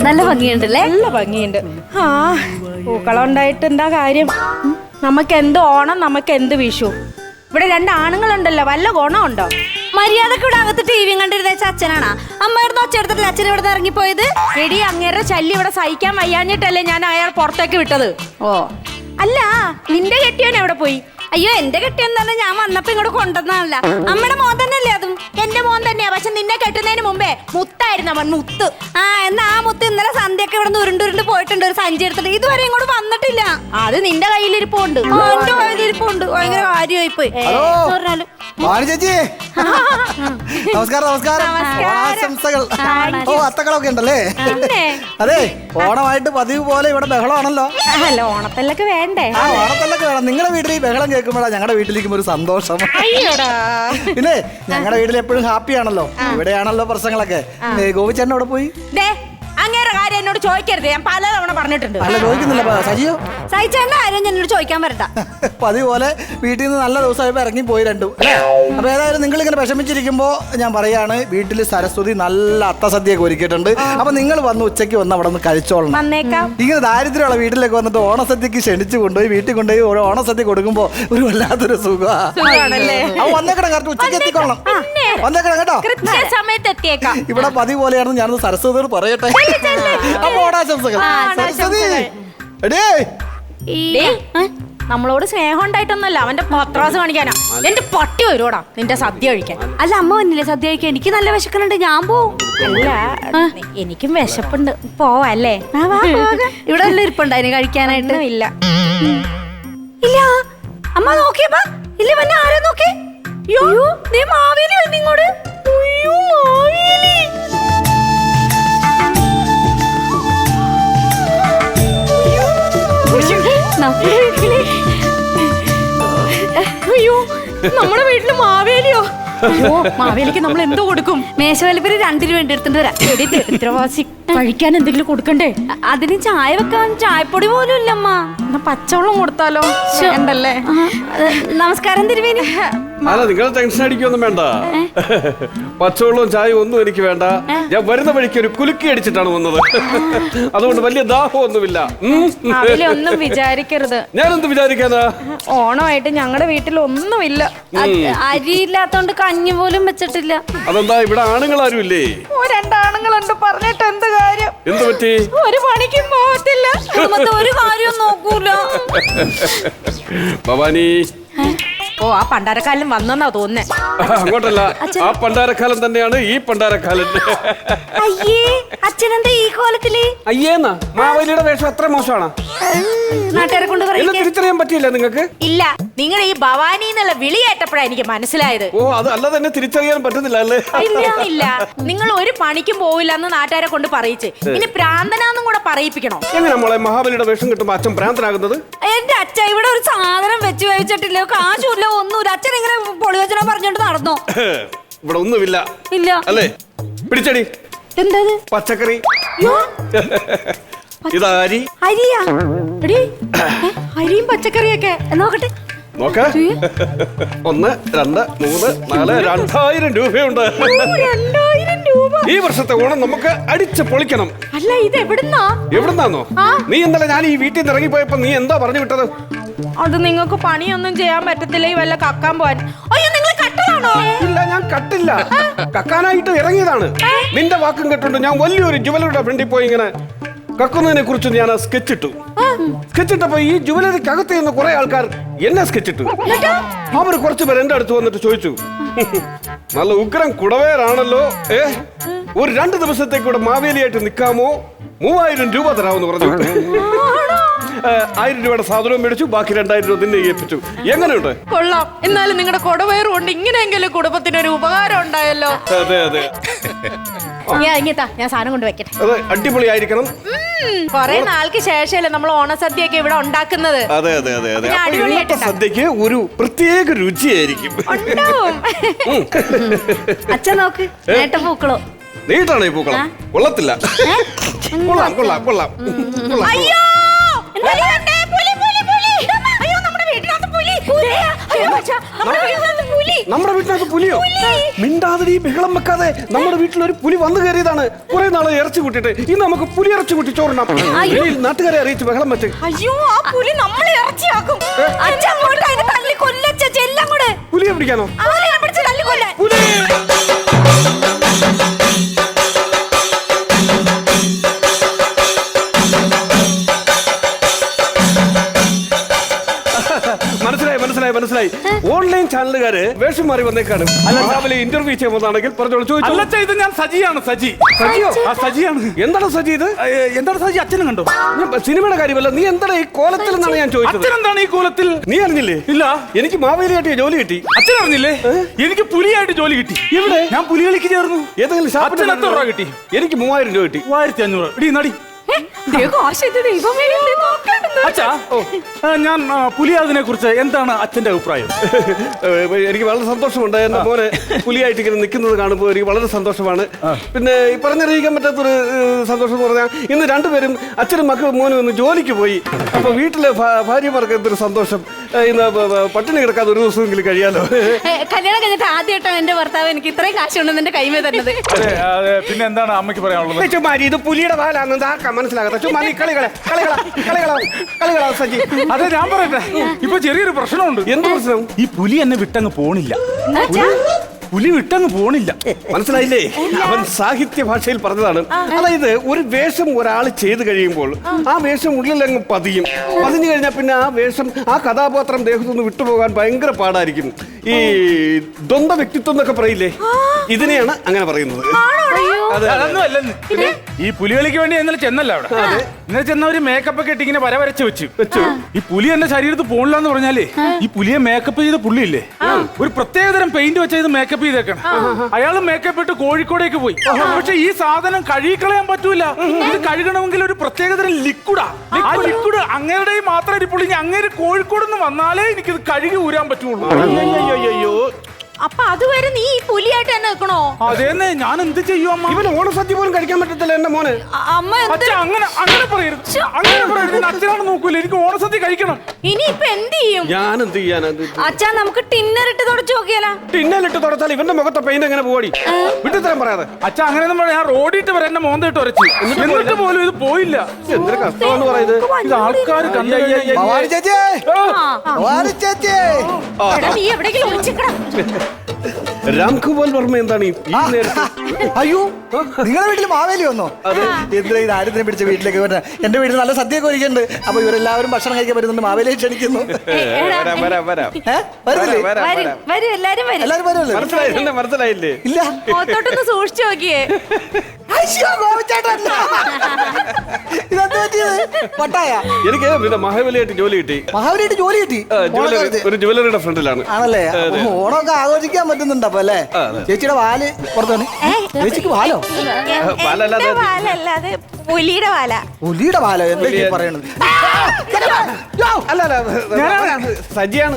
നല്ല ഭംഗിയുണ്ടല്ലേ? നല്ല ഭംഗിയുണ്ട്. ആ പൂക്കളം ഉണ്ടായിട്ട് എന്താ കാര്യം? നമുക്ക് എന്ത് ഓണം, നമുക്ക് എന്ത് വിഷു. ഇവിടെ രണ്ടാണുങ്ങളുണ്ടല്ലോ, വല്ല ഗുണമുണ്ടോ? മര്യാദക്ക് ഇവിടെ അകത്ത് ടി വിയും കണ്ടിരുന്ന അച്ഛനാണാ? അമ്മയായിരുന്നു ഒച്ച എടുത്തിട്ട് അച്ഛൻ ഇവിടെ നിന്ന് ഇറങ്ങിപ്പോയത്. എടി, അങ്ങേരുടെ ശല്യം ഇവിടെ സഹിക്കാൻ വയ്യാഞ്ഞിട്ടല്ലേ ഞാൻ അയാൾ പുറത്തേക്ക് വിട്ടത്. ഓ അല്ല, നിന്റെ കെട്ടിയവൻ എവിടെ പോയി? അയ്യോ, എന്റെ കെട്ടിയെന്ന് തന്നെ ഞാൻ വന്നപ്പോ ഇങ്ങോട്ട് കൊണ്ടുവന്നതല്ല. അമ്മയുടെ മോൻ തന്നെയല്ലേ അതും? എന്റെ മോൻ തന്നെയാ, പക്ഷെ നിന്നെ കെട്ടുന്നതിന് മുമ്പേ മുത്തായിരുന്നു അവൻ, മുത്ത്. ആ, എന്നാ ആ മുത്ത് ഇന്നലെ സന്ധ്യയൊക്കെ ഇവിടെ നിന്ന് ഉരുണ്ടുരുണ്ട് പോയിട്ടുണ്ട് ഒരു സഞ്ചി എടുത്തിട്ട്. ഇതുവരെ ഇങ്ങോട്ട് വന്നിട്ടില്ല. അത് നിന്റെ കയ്യിലിരിപ്പുണ്ട്. എന്റെ കയ്യിലിരിപ്പുണ്ട്. ഭയങ്കര കാര്യമായി പോയി. പറഞ്ഞാലും ചേച്ചി നമസ്കാരം. നമസ്കാരം. ഓണാശംസകൾ. ഓ, അത്തക്കളൊക്കെ ഉണ്ടല്ലേ? അതെ, ഓണമായിട്ട് പതിവ് പോലെ ഇവിടെ ബഹളമാണല്ലോ. അല്ല, ഓണത്തല്ലൊക്കെ വേണ്ടേ? ആ, ഓണത്തല്ലൊക്കെ വേണം. നിങ്ങളുടെ വീട്ടിൽ ഈ ബഹളം കേൾക്കുമ്പോഴാണ് ഞങ്ങളുടെ വീട്ടിലേക്കും ഒരു സന്തോഷം. അയ്യോടാ. പിന്നെ ഞങ്ങളുടെ വീട്ടിൽ എപ്പോഴും ഹാപ്പി ആണല്ലോ. ഇവിടെയാണല്ലോ പ്രശ്നങ്ങളൊക്കെ. ഗോപിച്ചേട്ടൻ അവിടെ പോയി? അങ്ങേറെ കാര്യം എന്നോട് ചോദിക്കരുത്, ഞാൻ പലതവണ പറഞ്ഞിട്ടുണ്ട്. അല്ല, ചോദിക്കുന്നില്ല. സജിയോ? സഹിച്ചേണ്ട കാര്യം എന്നോട് ചോദിക്കാൻ വരണ്ട. പതിവ് പോലെ വീട്ടിൽ നിന്ന് നല്ല ദിവസമായപ്പോ ഇറങ്ങി പോയി രണ്ടും. അപ്പൊ ഏതായാലും നിങ്ങൾ ഇങ്ങനെ വിഷമിച്ചിരിക്കുമ്പോ ഞാൻ പറയാണ്, വീട്ടിൽ സരസ്വതി നല്ല അത്തസദ്യയൊക്കെ ഒരുക്കിയിട്ടുണ്ട്. അപ്പൊ നിങ്ങൾ വന്ന് ഉച്ചയ്ക്ക് വന്ന് അവിടെ നിന്ന് കഴിച്ചോളണം. വന്നേക്കാം. ഇങ്ങനെ ദാരിദ്ര്യമുള്ള വീട്ടിലേക്ക് വന്നിട്ട് ഓണസദ്യക്ക് ക്ഷണിച്ചു കൊണ്ടുപോയി വീട്ടിൽ കൊണ്ടുപോയി ഓണസദ്യ കൊടുക്കുമ്പോ ഒരു വല്ലാത്തൊരു സുഖമാണല്ലേ. അപ്പൊ വന്നേക്കണം, കറക്റ്റ് ഉച്ചയ്ക്ക് എത്തിക്കൊള്ളണം. വന്നേക്കണം കേട്ടോ. സമയത്ത് എത്തിയേക്കാം. ഇവിടെ പതിവ് പോലെയാണെന്ന് ഞാനത് സരസ്വതിയോട് പറയട്ടെ. അപ്പൊ ഓണാശംസകൾ. സരസ്വതി എടേ, നമ്മളോട് സ്നേഹം ഉണ്ടായിട്ടൊന്നല്ല, അവന്റെ പത്രാസ് കാണിക്കാനാ. എന്റെ പട്ടി വരുവാടാ നിന്റെ സദ്യ കഴിക്കാൻ. അല്ല, അമ്മ വന്നില്ലേ സദ്യ കഴിക്കാൻ? എനിക്ക് നല്ല വിശക്കുന്നുണ്ട്, ഞാൻ പോവും. അല്ല, എനിക്കും വിശപ്പുണ്ട്, പോവല്ലേ? ഇവിടെ വല്ല ഇരിപ്പുണ്ടായിരുന്നു കഴിക്കാനായിട്ട്? ഇല്ല. ഇല്ല, അമ്മ നോക്കിയപ്പോ ഇല്ല, പിന്നെ ആരോ നോക്കി. മാവേലി വന്നിങ്ങോട്. മാവേലി അയ്യോ, നമ്മുടെ വീട്ടില് മാവേലിയോ? അയ്യോ, മാവേലിക്ക് നമ്മൾ എന്തോ കൊടുക്കും? മേശവലിപ്പര് 2 രൂപ വേണ്ടി എടുത്തിട്ട് വരാം. ദരിദ്രവാസി, കഴിക്കാൻ എന്തെങ്കിലും കൊടുക്കണ്ടേ? അതിന് ചായ വെക്കാൻ ചായപ്പൊടി പോലും ഇല്ലമ്മ. എന്നാ പച്ചവെള്ളം കൊടുത്താലോ? ഉണ്ടല്ലേ. നമസ്കാരം തിരുവേനി. അല്ല, നിങ്ങൾ ടെൻഷൻ അടിക്കൊന്നും വേണ്ട. പച്ചവെള്ളവും ചായയും ഒന്നും എനിക്ക് വേണ്ട. ഞാൻ വരുന്ന വഴിക്ക് ഒരു കുലുക്കി അടിച്ചിട്ടാണ് വന്നത്. അതുകൊണ്ട് വലിയ ദാഹമൊന്നുമില്ല. ഒന്നും വിചാരിക്കരുത്. ഞാനെന്ത് വിചാരിക്കാനാ? ഓണമായിട്ട് ഞങ്ങളുടെ വീട്ടിൽ ഒന്നുമില്ല. അരിയില്ലാത്തോണ്ട് കഞ്ഞി പോലും വെച്ചിട്ടില്ല. അതെന്താ, ഇവിടെ ആണുങ്ങളാരും ഇല്ലേ? 2 ആണുങ്ങളുണ്ട്, പറഞ്ഞിട്ട് എന്ത് കാര്യം? എന്ത് പറ്റി? ഒരു പണിക്കും പോകത്തില്ല, ഒരു കാര്യം നോക്കൂല. ഭവാനി, ഓ, ആ പണ്ടാരക്കാലം വന്നെന്നാ തോന്നുന്നേ. അങ്ങോട്ടല്ല, ആ പണ്ടാരക്കാലം തന്നെയാണ് ഈ പണ്ടാരക്കാലൻ. അയ്യേ, അച്ഛനെന്താ ഈ കോലത്തില്? അയ്യേന്നാ, മാവേലിയുടെ വേഷം അത്ര മോശമാണ്. നാട്ടുകാരെ കൊണ്ട് എന്നെ തിരിച്ചറിയാൻ പറ്റിയില്ല നിങ്ങൾക്ക്? ഇല്ല, നിങ്ങൾ ഈ ഭവാനി എന്നുള്ള വിളിയേറ്റപ്പോഴാണ് എനിക്ക് മനസ്സിലായത്. ഓ, അത് അല്ലാതെ എന്നെ തിരിച്ചറിയാൻ പറ്റുന്നില്ല അല്ലേ? ഇല്ല, നിങ്ങൾ ഒരു പണിക്കും പോവില്ല എന്ന് നാട്ടുകാരെ കൊണ്ട് പറയിച്ച് ഇനി പ്രാന്തനാന്നും കൂടെ പറയിപ്പിക്കണോ? എങ്ങനെ മോളെ മഹാബലിയുടെ വേഷം കിട്ടുമ്പോ അച്ഛൻ ഭ്രാന്തനാകുന്നത്? എന്റെ അച്ഛൻ ഇവിടെ ഒരു സാധനം വെച്ച് കഴിച്ചിട്ടില്ല, കാശുമില്ല, ഒന്നുമില്ല. അച്ഛൻ ഇങ്ങനെ പൊളിവച്ചന പറഞ്ഞോണ്ട് നടന്നോ? ഇവിടെ ഒന്നുമില്ല. ഇല്ല അല്ലേ? പിടിച്ചടി. എന്താ പച്ചക്കറി. ഇതാ അരി. അരിയാ? അരിയും പച്ചക്കറിയൊക്കെ നോക്കട്ടെ. നോക്ക. 1, 2, 3, 4, 2000 രൂപയുണ്ട്. 2000 രൂപ? ഈ വർഷത്തെ ഓണം നമുക്ക് അടിച്ച് പൊളിക്കണം. അല്ല, ഇത് എവിടുന്നാ? എവിടുന്നാന്നോ? നീ ഇന്നലെ ഞാൻ ഈ വീട്ടിൽ നിന്ന് ഇറങ്ങിപ്പോയപ്പോ നീ എന്താ പറഞ്ഞു വിട്ടത്? അത് നിങ്ങൾക്ക് പണിയൊന്നും ചെയ്യാൻ പറ്റത്തില്ല, ഈ വല്ല കക്കാൻ പോവാൻ. അയ്യോ, നിങ്ങൾ കട്ടതാണോ? ഇല്ല, ഞാൻ കട്ടില്ല, കക്കാനായിട്ട് ഇറങ്ങിയതാണ്. നിന്റെ വാക്കും കേട്ടുണ്ട് ഞാൻ വലിയൊരു ജുവലറിയുടെ ഫ്രണ്ടിൽ പോയി ഇങ്ങനെ കക്കുന്നതിനെ കുറിച്ച് ഞാൻ സ്കെച്ചിട്ടു. സ്കെച്ചിട്ടപ്പോ ഈ ജുവലറിക്കകത്ത് നിന്ന് കുറെ ആൾക്കാർ എന്നെ സ്കെച്ചിട്ടു. അവർ കുറച്ചു പേർ എന്റെ അടുത്ത് വന്നിട്ട് ചോദിച്ചു, നല്ല ഉഗ്രം കുടവേറാണല്ലോ, ഒരു 2 ദിവസത്തേക്ക് ഇവിടെ മാവേലിയായിട്ട് നിൽക്കാമോ? 3000 രൂപ തരാമെന്ന് പറഞ്ഞു. 1000 രൂപയുടെ സാധനവും മേടിച്ചു, ബാക്കി 2000 രൂപ നിന്നെ ഏൽപ്പിച്ചു. എങ്ങനെയുണ്ട്? കൊള്ളാം. എന്നാലും നിങ്ങളുടെ കുടവയറും കൊണ്ട് ഇങ്ങനെയെങ്കിലും കുടുംബത്തിനൊരു ഉപകാരം ഉണ്ടായല്ലോ. അതെ അതെ. ഞാൻ സാധനം കൊണ്ട് വെക്കട്ടെ. അത് അടിപൊളിയായിരിക്കണം. കൊറേ നാൾക്ക് ശേഷമല്ലേ നമ്മൾ ഓണസദ്യയൊക്കെ ഇവിടെ ഉണ്ടാക്കുന്നത്. അതെ അതെ അതെ അതെ. സദ്യക്ക് ഒരു പ്രത്യേക രുചിയായിരിക്കും. അച്ഛൻ നോക്ക്, നേട്ട പൂക്കളോ? നീട്ടാണ് ഈ പൂക്കളം. കൊള്ളത്തില്ല. കൊള്ളാം കൊള്ളാം കൊള്ളാം. അയ്യോ, നമ്മുടെ വീട്ടിനകത്ത് പുലി. നമ്മുടെ വീട്ടിനകത്ത് പുലിയോ? മിണ്ടാതെ ബഹളം വെക്കാതെ നമ്മുടെ വീട്ടിൽ ഒരു പുലി വന്നു കയറിയതാണ്. കുറെ നാളെ ഇറച്ചി കൂട്ടിട്ട് ഇന്ന് നമുക്ക് പുലി ഇറച്ചി കൂട്ടി ചോറിനാം. നാട്ടുകാരെ അറിയിച്ച് ബഹളം വെച്ച്. അയ്യോ ആ പുലി നമ്മളെ ഇറച്ചിയാക്കും. പുലിയെ പിടിക്കാനോ? പുലി മനസ്സിലായി. ഓൺലൈൻ ചാനലുകാര് വേഷം മാറി വന്നേക്കാണ്. രാവിലെ ഇന്റർവ്യൂ ചെയ്യുമ്പോഴാണെങ്കിൽ പറഞ്ഞോളൂ. ചോദിച്ചു. ഇത് ഞാൻ സജിയാണ്. സജിയോ? സജിയാണ്. എന്താണ് സജി ഇത്? എന്താണ് സജി? അച്ഛനും കണ്ടോ? സിനിമയുടെ കാര്യമല്ല, നീ എന്താണ് ഈ കോലത്തിൽ എന്നാണ് ഞാൻ ചോദിച്ചത്. അച്ഛനെന്താണ് ഈ കോലത്തിൽ? നീ അറിഞ്ഞില്ലേ? ഇല്ല. എനിക്ക് മാവേലിയായിട്ട് ജോലി കിട്ടി. അച്ഛൻ അറിഞ്ഞില്ലേ? എനിക്ക് പുലിയായിട്ട് ജോലി കിട്ടി. എവിടെ? ഞാൻ പുലികളിക്ക് ചേർന്നു. ഏതെങ്കിലും അച്ഛന് എത്ര രൂപ കിട്ടി? എനിക്ക് 3000 രൂപ കിട്ടി. 3500. ഇടി നടി. അച്ഛാ, ഞാൻ പുലിയാതിനെ കുറിച്ച് എന്താണ് അച്ഛന്റെ അഭിപ്രായം? എനിക്ക് വളരെ സന്തോഷമുണ്ട്. എന്റെ മോനെ പുലിയായിട്ട് ഇങ്ങനെ നിൽക്കുന്നത് കാണുമ്പോൾ എനിക്ക് വളരെ സന്തോഷമാണ്. പിന്നെ ഈ പറഞ്ഞറിയിക്കാൻ പറ്റാത്തൊരു സന്തോഷം എന്ന് പറഞ്ഞാൽ ഇന്ന് രണ്ടുപേരും അച്ഛനും മക്കളും മോനും ഒന്ന് ജോലിക്ക് പോയി. അപ്പൊ വീട്ടിലെ ഭാര്യമാർക്ക് എന്തൊരു സന്തോഷം. ഇന്ന് പട്ടിണി കിടക്കാതെ ഒരു ദിവസമെങ്കിലും കഴിയാലോ. കല്യാണം കഴിഞ്ഞിട്ട് ആദ്യമായിട്ടാണ് എന്റെ ഭർത്താവ് എനിക്ക് ഇത്രയും കാശ് കൊണ്ടെന്ന് എന്റെ കൈമേ തന്നത്. പിന്നെ എന്താണ് അമ്മയ്ക്ക് പറയാനുള്ളത്? ചുമ്മാരി ഇത് പുലിയുടെ പാലാന്ന് മനസ്സിലാകത്ത. ചുമ്മാ കളികളാ സജി. അതെ, ഞാൻ പറയട്ടെ, ഇപ്പൊ ചെറിയൊരു പ്രശ്നമുണ്ട്. എന്ത് പ്രശ്നം? ഈ പുലി എന്നെ വിട്ടങ്ങ് പോണില്ല. പുലി വിട്ടങ്ങ് പോണില്ല. മനസ്സിലായില്ലേ? അവൻ സാഹിത്യ ഭാഷയിൽ പറഞ്ഞതാണ്. അതായത് ഒരു വേഷം ഒരാൾ ചെയ്തു കഴിയുമ്പോൾ ആ വേഷം ഉള്ളിലങ്ങ് പതിഞ്ഞു കഴിഞ്ഞാൽ പിന്നെ ആ വേഷം, ആ കഥാപാത്രം ദേഹത്തുനിന്ന് വിട്ടുപോകാൻ ഭയങ്കര പാടായിരിക്കും. ഈ ദ്വന്ദ്വ വ്യക്തിത്വം എന്നൊക്കെ പറയില്ലേ, ഇതിനെയാണ് അങ്ങനെ പറയുന്നത്. അതൊന്നും അല്ലെന്ന്. ഈ പുലികളിക്ക് വേണ്ടി ഇന്നലെ ചെന്നല്ല അവിടെ. ഇന്നലെ ചെന്ന ഒരു മേക്കപ്പ് ഒക്കെ ഇട്ട് ഇങ്ങനെ വരച്ച് വെച്ചു. ഈ പുലി എന്റെ ശരീരത്ത് പോണില്ല എന്ന് പറഞ്ഞാലേ, ഈ പുലിയെ മേക്കപ്പ് ചെയ്ത പുള്ളിയില്ലേ, ഒരു പ്രത്യേകതരം പെയിന്റ് വെച്ച ഇത് മേക്കപ്പ് ചെയ്തേക്കണം. അയാള് മേക്കപ്പ് ഇട്ട് കോഴിക്കോടേക്ക് പോയി. പക്ഷെ ഈ സാധനം കഴുകിക്കളയാൻ പറ്റൂല. ഇത് കഴുകണമെങ്കിൽ ഒരു പ്രത്യേകതരം ലിക്വിഡാ. ആ ലിക്വിഡ് അങ്ങേരുടെ മാത്രം ഇരിപ്പുള്ളൂ. അങ്ങേര് കോഴിക്കോട് നിന്ന് വന്നാലേ എനിക്കിത് കഴുകി ഊരാൻ പറ്റുള്ളൂ. അയ്യോ, അപ്പൊ അതുവരെ നീ ഈ പുലിയായിട്ട് തന്നെ വെക്കണോ? അതേന്നെ, ഞാൻ എന്ത് ചെയ്യും അമ്മ? ഇവന് ഓണസദ്യ പോലും കഴിക്കാൻ പറ്റത്തില്ല എന്റെ മോന്. അമ്മ അങ്ങനെ പറയരുത്. അച്ഛനാണ് നോക്കൂല, എനിക്ക് ഓണസദ്യ കഴിക്കണം. ഇനി ഇപ്പൊ എന്ത് ചെയ്യും? ഞാൻ എന്ത് ചെയ്യാൻ? അച്ഛാ, നമുക്ക് ടിന്നറിട്ട് തുടച്ചു നോക്കിയാലോ? ടിന്നലിട്ട് തുടച്ചാൽ ഇവന്റെ മുഖത്തെ പെയിന്റ് എങ്ങനെ പോടി? വിട്ടുതരാൻ പറയാതെ. അച്ഛാ, അങ്ങനെയൊന്നും പറയാം. ഞാൻ റോഡിട്ട് വരെ എന്നെ മോന്തിട്ട് ഉരച്ചു, എന്നിട്ട് പോലും ഇത് പോയില്ല. എന്തൊരു കഷ്ടമാണെന്ന് പറയുന്നത്. ഇത് ആൾക്കാർ നീ എവിടെയെങ്കിലും ഒളിച്ചിക്കണം. രാംകുമാർ വർമ്മ എന്താണ് ഈ നേരത്തെ? അയ്യോ, നിങ്ങളുടെ വീട്ടിൽ മാവേലി വന്നോ? എന്തിനാ ഈ ദാരിദ്ര്യം പിടിച്ച വീട്ടിലേക്ക് വരുന്നത്? എന്റെ വീട്ടിൽ നല്ല സദ്യയൊക്കെ ഒരുക്കുന്നുണ്ട്. അപ്പൊ ഇവരെല്ലാവരും ഭക്ഷണം കഴിക്കാൻ പറ്റുന്നുണ്ട്. മാവേലിയെ ക്ഷണിക്കുന്നു. എല്ലാരും വരുമല്ലോ. മനസ്സിലായില്ലേ? ഇല്ല, മുഖത്തോട്ടൊന്ന് സൂക്ഷിച്ചു നോക്കിയേ. ഇതെന്ത് പറ്റിയത്? പട്ടായ? എനിക്ക് പിന്നെ മഹാബലിയായിട്ട് ജോലി കിട്ടി. മഹാബലിയായിട്ട് ജോലി കിട്ടി? ഒരു ജുവലറിയുടെ ഫ്രണ്ടിലാണ്. ആണല്ലേ? ഓണമൊക്കെ ആഘോഷിക്കാൻ പറ്റുന്നുണ്ടോ അപ്പൊ അല്ലേ? ചേച്ചിയുടെ വാല് പുറത്താണ്. ചേച്ചിക്ക് വാലോ? വാലല്ലാതെ പുലിയുടെ വാല. പുലിയുടെ വാലോ? എന്തൊക്കെയാ പറയണത്? സജിയാണ്.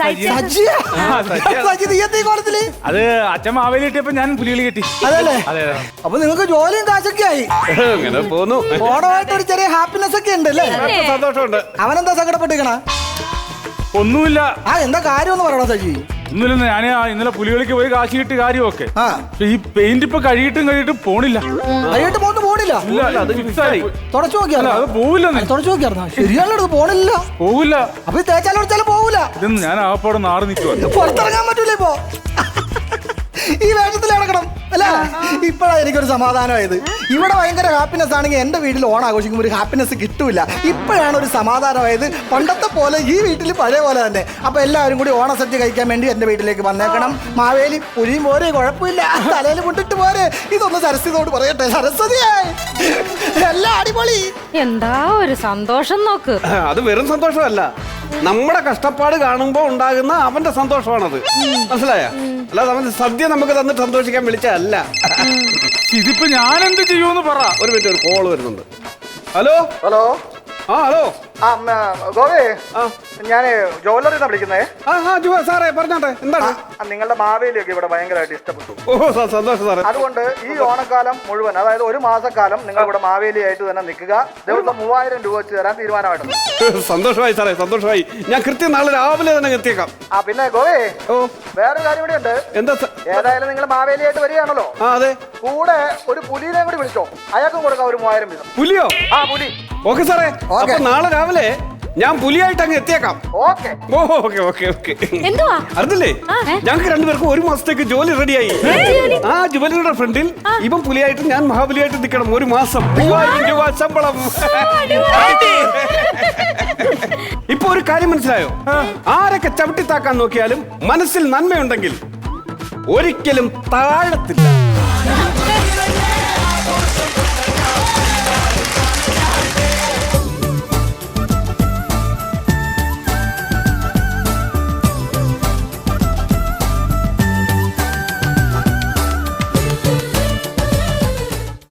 അത് അച്ഛൻ മാവേലി കിട്ടിയപ്പോ ഞാൻ പുലികളി കിട്ടി. അതല്ലേ? അപ്പൊ നിങ്ങൾക്ക് ജോലിയും കാശൊക്കെ ആയി. അങ്ങനെ പോന്നു. ഓണമായിട്ട് ഒരു ചെറിയ ഹാപ്പിനെസ് ഒക്കെ ഉണ്ട് അല്ലേ? സന്തോഷമുണ്ട്. അവനെന്താ സങ്കടപ്പെട്ടിരിക്കണ? ഒന്നുമില്ല. എന്താ കാര്യം ഒന്ന് പറയണോ സജി? ഒന്നുമില്ല, ഞാൻ ഇന്നലെ പുലികളിക്ക് പോയി കാശ് കിട്ടി കാര്യമൊക്കെ. ഈ പെയിന്റ് ഇപ്പൊ കഴിയിട്ടും പോണില്ല. കഴിയിട്ട് പോണില്ല. തുടച്ചു നോക്കിയാലോ? അത് പോവില്ല. തുടച്ചു നോക്കിയായിരുന്നോ? ശരിയാണോ? പോണില്ല, പോവില്ല. അപ്പൊ തേച്ചാലും പോവില്ല. ഇതൊന്നും ഞാൻ ആപ്പാടെ നാറ് നിൽക്കുക. പുറത്തിറങ്ങാൻ പറ്റൂല ഇപ്പൊ. ഈ വേഷത്തിൽ നടക്കണം അല്ലേ? ഇപ്പഴാ എനിക്കൊരു സമാധാനമായത്. ഇവിടെ ഭയങ്കര ഹാപ്പിനെസ് ആണെങ്കിൽ എന്റെ വീട്ടിൽ ഓണം ആഘോഷിക്കുമ്പോൾ ഒരു ഹാപ്പിനെസ് കിട്ടൂല. ഇപ്പോഴാണ് ഒരു സമാധാനമായത്. പണ്ടത്തെ പോലെ ഈ വീട്ടിൽ പഴയ പോലെ തന്നെ. അപ്പൊ എല്ലാവരും കൂടി ഓണസദ്യ കഴിക്കാൻ വേണ്ടി എന്റെ വീട്ടിലേക്ക് വന്നേക്കണം. മാവേലി പുലിയും പോരെ, കുഴപ്പമില്ല, തലയിൽ മുട്ടിട്ട് പോരെ. ഇതൊന്ന് സരസ്വതിയോട് പറയട്ടെ. സരസ്വതിയായി എല്ലാം അടിപൊളി. എന്താ ഒരു സന്തോഷം നോക്ക്. അത് വെറും സന്തോഷമല്ല, നമ്മുടെ കഷ്ടപ്പാട് കാണുമ്പോ ഉണ്ടാകുന്ന അവന്റെ സന്തോഷമാണത്. മനസ്സിലായ? അല്ലാതെ അവൻ സദ്യ നമുക്ക് തന്നിട്ട് സന്തോഷിക്കാൻ വിളിച്ചല്ല. ഇതിപ്പോ ഞാൻ എന്ത് ചെയ്യുമെന്ന് പറ. ഒരു മിനിറ്റ്, ഒരു കോള് വരുന്നുണ്ട്. ഹലോ. ഹലോ. ഹലോ. ഗോവേ, ഞാൻ ജോലറിന്നാ വിളിക്കുന്നേ. സാറേ പറഞ്ഞോട്ടെ, എന്താണ്? നിങ്ങളുടെ മാവേലിയൊക്കെ ഇവിടെ ഭയങ്കരമായിട്ട് ഇഷ്ടപ്പെട്ടു. സന്തോഷം സാറേ. അതുകൊണ്ട് ഈ ഓണക്കാലം മുഴുവൻ, അതായത് ഒരു മാസക്കാലം നിങ്ങൾ ഇവിടെ മാവേലിയായിട്ട് തന്നെ നിൽക്കുക. ദിവസം 3000 രൂപ വെച്ച് തരാൻ തീരുമാനമായിട്ടുണ്ട്. സന്തോഷമായി സാറേ, സന്തോഷമായി. ഞാൻ കൃത്യം നാളെ രാവിലെ തന്നെ എത്തിയേക്കാം. പിന്നെ ഗോവേ, ഓ വേറെ കാര്യം കൂടി ഉണ്ട്. എന്താ? ഏതായാലും നിങ്ങൾ മാവേലിയായിട്ട് വരികയാണല്ലോ, അതെ. കൂടെ ഒരു പുലിനെ കൂടി വിളിച്ചോ, അയാൾക്കും കൊടുക്കാം ഒരു 3000 വീതം. പുലിയോ? പുലി. ഓക്കെ സാറേ, അപ്പൊ നാളെ രാവിലെ ഞാൻ പുലിയായിട്ട് അങ്ങ് എത്തിയേക്കാം. ഓക്കെ. എന്തുവാ അറിഞ്ഞില്ലേ, ഞങ്ങൾക്ക് രണ്ടുപേർക്കും ഒരു മാസത്തേക്ക് ജോലി റെഡിയായി. ആ ജുവലറിയുടെ ഫ്രണ്ടിൽ ഇവൻ പുലിയായിട്ട് ഞാൻ മഹാബലിയായിട്ട് നിൽക്കണം. 1 മാസം 3000 രൂപ ശമ്പളം. ഇപ്പൊ ഒരു കാര്യം മനസ്സിലായോ? ആരൊക്കെ ചവിട്ടിത്താക്കാൻ നോക്കിയാലും മനസ്സിൽ നന്മയുണ്ടെങ്കിൽ ഒരിക്കലും താഴത്തില്ല.